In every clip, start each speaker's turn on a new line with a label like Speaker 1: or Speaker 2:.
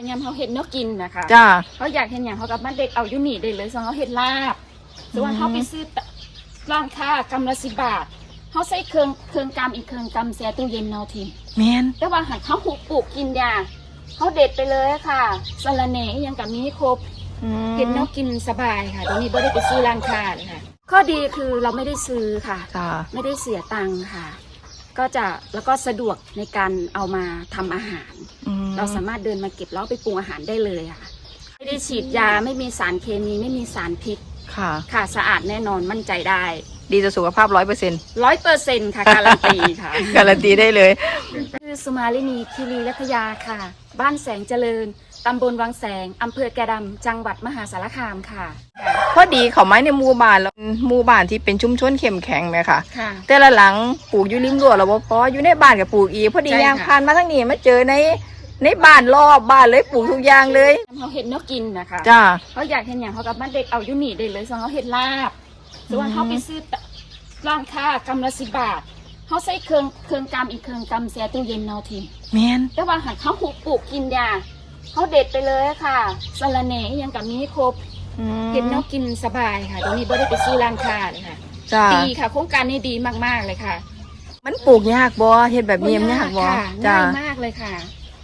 Speaker 1: ยำเขาเห็ดเนื้อกินนะคะ
Speaker 2: จ้า
Speaker 1: เขาอยากเห็นอย่างเขากับมันเด็กเอาอยู่นี่ได้เลยส่วนเขาเห็ดลาบส่วนเขาไปซื้อร้านค้ากำละ10 บาทเขาใส่เครื่องกำอีกเครื่องกำเสียตู้เย็นเนาที
Speaker 2: แมน
Speaker 1: แต่ว่าหันเขาหุบปลูกกินยาเขาเด็ดไปเลยค่ะสลัดเนยังกับมีครบเห็ดเนื้อกินสบายค่ะตรงนี้ไม่ได้ไปซื้อร้านค้าเลยค่ะข้อดีคือเราไม่ได้ซื้อค่ะไม่ได้เสียตังค์ค่ะก็จะแล้วก็สะดวกในการเอามาทำอาหารเราสามารถเดินมาเก็บแล้วไปปรุงอาหารได้เลยค่ะไม่ได้ฉีดยาไม่มีสารเคมีไม่มีสารพิษค่ะสะอาดแน่นอนมั่นใจได้
Speaker 2: ดีต่อสุขภาพ100%
Speaker 1: 100%ค่ะการันตีค่ะ
Speaker 2: การันตีได้เลย
Speaker 1: คือสุมาลินีคีรีรัตยาค่ะบ้านแสงเจริญตำบลวังแสงอำเภอแกดำจังหวัดมหาสารคามค่ะ
Speaker 2: พอดีเขาไม้ในหมู่บ้านแล้วหมู่บ้านที่เป็นชุมชนเข้มแข็งไหมค่ะแต่ละหลังปลูกอยู่ริมรั้วแล้วพออยู่ในบ้านกับปลูกอีกพอดีย่างผ่านมาทั้งนี้มาเจอในบ้านรอบบ้านเลยปลูกทุกอย่างเลย
Speaker 1: เขาเห็ดเนื้อกินนะคะ
Speaker 2: จ้า
Speaker 1: เขาอยากเห็นอย่างเขากับมันเด็กเอาอยู่นี่ได้เลยส่วนเขาเห็ดลาบส่วนเขาไปซื้อร้านค้ากำละ10 บาทเขาใส่เครื่องกำอีกเครื่องกำเสียตู้เย็นเนาที
Speaker 2: แมน
Speaker 1: แต่ว่าหันเขาหุบปลูกกินยาเขาเด็ดไปเลยค่ะสลัดเนยังกับมีครบเห็ดเนื้อกินสบายค่ะตรงนี้ไม่ได้ไปซื้อร้านค้าเลยค่ะดีค่ะโครงการนี้ดีมากๆเลยค่ะ
Speaker 2: มันปลูกยากบ่เห็ดแบบนี้มันยากบ่
Speaker 1: ง่ายมากเลยค่ะ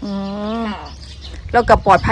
Speaker 2: เรากับปลอดภัย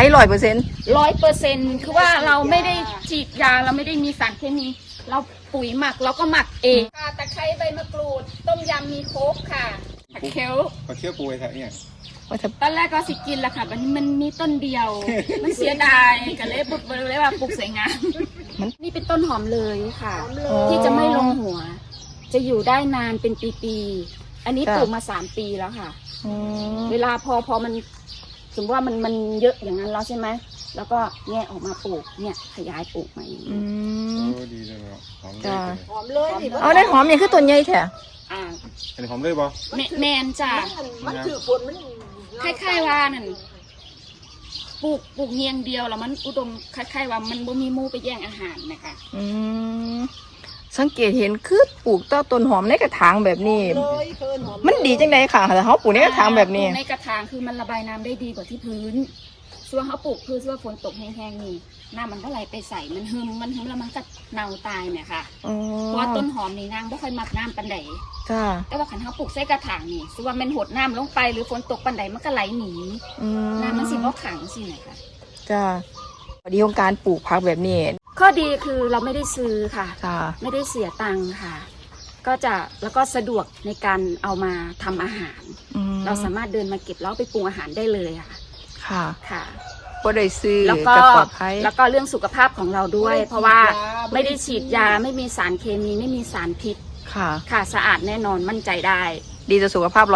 Speaker 1: 100%คือว่าเราไม่ได้ฉีดยาเราไม่ได้มีสารเคมีเราปุ๋ยหมักเราก็หมักเองตะไคร้ใบมะกรูดต้มยำมีโค้กค่ะผักเขียว
Speaker 3: ปูไอ้ค่ะเนี่ย
Speaker 1: ตอนแรกก็สิกินละค่ะวันนี้มันมีต้นเดียวมันเสียดายก็เลยปลูกเลยว่าปลูกสวยงามนี่เป็นต้นหอมเลยค่ะที่จะไม่ลงหัวจะอยู่ได้นานเป็นปีๆอันนี้ปลูกมา3 ปีแล้วค่ะเวลาพอมันสมมติว่ามันเยอะอย่างนั้นแล้วใช่ไหมแล้วก็แงะออกมาปลูกเนี่ยขยายปลูกใหม่
Speaker 3: ดีเลยหอม
Speaker 2: เลยเอาได้หอมอย่างคือต้นใหญ่แท้
Speaker 3: อันนี้หอมเลยบ่
Speaker 1: แมนจ้ะมันถือฝนมันคล้ายๆว่านั่นปลูกเงียงเดียวแล้วมันอุดมคล้ายๆว่ามันบ่มีหมูไปแย่งอาหารนะคะ
Speaker 2: สังเกตเห็นคือปลูกต้นหอมในกระถางแบบนี้มันดีจังไดค่ะแต่เขาปลูกในกระถางแบบนี้
Speaker 1: ในกระถางคือมันระบายน้ำได้ดีกว่าที่พื้นส่วนเขาปลูกคือส่วนฝนตกแห้งๆนี่น้ำมันก็ไหลไปใส่มันหึมแล้วมันก็เน่าตายเนี่ยค่ะเพราะว่าต้นหอมนี่นางไม่ค่อยมักน้ำปันใดแต่ว่าขันเขาปลูกใส่กระถางนี่ส่วนมันหดน้ำลงไปหรือฝนตกปันใดมันก็ไหลหนีน้ำมันสิบ่ขังสินะคะ
Speaker 2: จ้าพอดีของการปลูกผักแบบนี้
Speaker 1: ข้อดีคือเราไม่ได้ซื้อค่ะไม่ได้เสียตังค์ค่ะก็จะแล้วก็สะดวกในการเอามาทำอาหารเราสามารถเดินมาเก็บแล้วไปปรุงอาหารได้เลยค่ะค่ะ
Speaker 2: ก็ได้ซื้อ
Speaker 1: แล้วก็เรื่องสุขภาพของเราด้วยเพราะว่าไม่ได้ฉีดยาไม่มีสารเคมีไม่มีสารพิษค่ะสะอาดแน่นอนมั่นใจได้
Speaker 2: ดีต่อสุขภาพ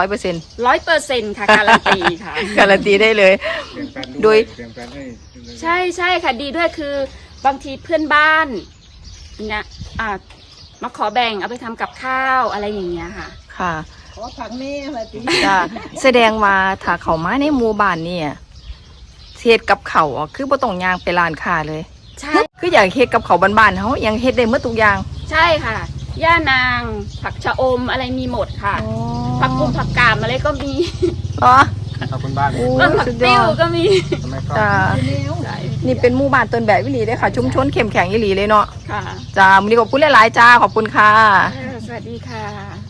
Speaker 1: 100%ค่ะการันตีค่ะ
Speaker 2: การันตีได้เลยโดย
Speaker 1: ใช่ค่ะดีด้วยคือบางทีเพื่อนบ้านเนี่ยมาขอแบ่งเอาไปทำกับข้าวอะไรอย่างเงี้ยค่ะ
Speaker 2: ขอผักแม่มาตีแสดงมาถ้าเขามาในหมู่บ้านเนี่ยเฮ็ดกับเขาคือบ่ต้องย่างไปร้านค้าเลย
Speaker 1: ใช่
Speaker 2: คืออยากเฮ็ดกับเขาบ้านๆเขายังเฮ็ดได้หมดทุกอย่าง
Speaker 1: ใช่ค่ะย่านางผักชะอมอะไรมีหมดค่ะผักกุมผักกาดอะไรก็มี
Speaker 3: ขอบคุณบ้าน
Speaker 1: ผักติ้วก็มี
Speaker 2: นี่เป็นหมู่บ้านต้นแบบวิลีเลยค่ะชุมชนเข้มแข็งวิลีเลยเนาะจ้ามื้อนี้ขอบคุณหลายๆจ้าขอบคุณค่ะ
Speaker 1: สวัสดีค่ะ